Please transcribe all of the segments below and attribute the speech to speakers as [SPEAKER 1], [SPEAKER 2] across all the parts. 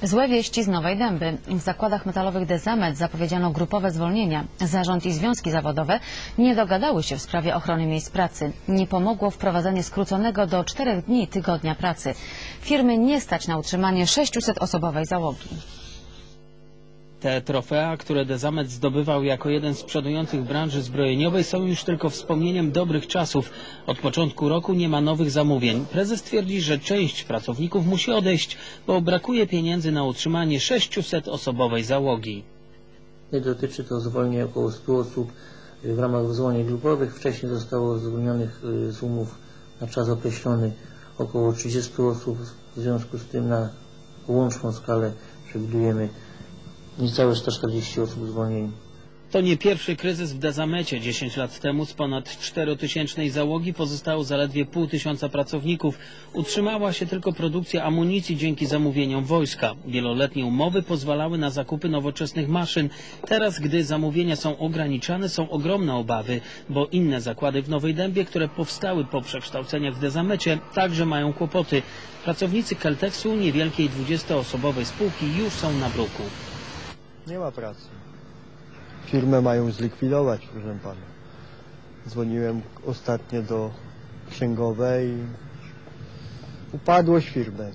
[SPEAKER 1] Złe wieści z Nowej Dęby. W zakładach metalowych Dezamet zapowiedziano grupowe zwolnienia. Zarząd i związki zawodowe nie dogadały się w sprawie ochrony miejsc pracy. Nie pomogło wprowadzenie skróconego do 4 dni tygodnia pracy. Firmy nie stać na utrzymanie 600-osobowej załogi.
[SPEAKER 2] Te trofea, które Dezamet zdobywał jako jeden z przodujących w branży zbrojeniowej, są już tylko wspomnieniem dobrych czasów. Od początku roku nie ma nowych zamówień. Prezes twierdzi, że część pracowników musi odejść, bo brakuje pieniędzy na utrzymanie 600-osobowej załogi.
[SPEAKER 3] Nie dotyczy to zwolnień około 100 osób w ramach zwolnień grupowych. Wcześniej zostało zwolnionych z umów na czas określony około 30 osób. W związku z tym na łączną skalę przewidujemy niecałe 140 osób zwolnieni.
[SPEAKER 2] To nie pierwszy kryzys w Dezamecie. 10 lat temu z ponad 4000 załogi pozostało zaledwie 500 pracowników. Utrzymała się tylko produkcja amunicji dzięki zamówieniom wojska. Wieloletnie umowy pozwalały na zakupy nowoczesnych maszyn. Teraz, gdy zamówienia są ograniczane, są ogromne obawy, bo inne zakłady w Nowej Dębie, które powstały po przekształceniach w Dezamecie, także mają kłopoty. Pracownicy Kelteksu, niewielkiej 20-osobowej spółki, już są na bruku.
[SPEAKER 4] Nie ma pracy. Firmę mają zlikwidować, proszę pana. Dzwoniłem ostatnio do księgowej. Upadłość firmy.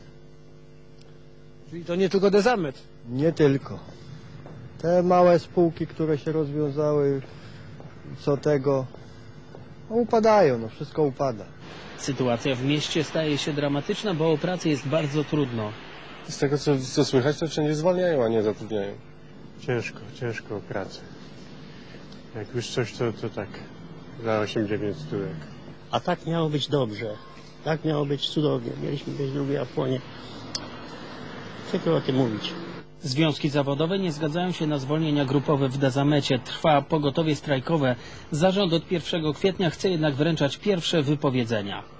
[SPEAKER 5] Czyli to nie tylko Dezamet?
[SPEAKER 4] Nie tylko. Te małe spółki, które się rozwiązały, co tego, no upadają, no wszystko upada.
[SPEAKER 2] Sytuacja w mieście staje się dramatyczna, bo o pracy jest bardzo trudno.
[SPEAKER 6] Z tego co słychać, to wszędzie zwalniają, a nie zatrudniają.
[SPEAKER 7] Ciężko o pracę. Jak już coś, to tak za 8-9 stówek.
[SPEAKER 8] A tak miało być dobrze. Tak miało być cudownie. Mieliśmy być drugie Apłonie. Co o tym mówić?
[SPEAKER 2] Związki zawodowe nie zgadzają się na zwolnienia grupowe w Dezamecie. Trwa pogotowie strajkowe. Zarząd od 1 kwietnia chce jednak wręczać pierwsze wypowiedzenia.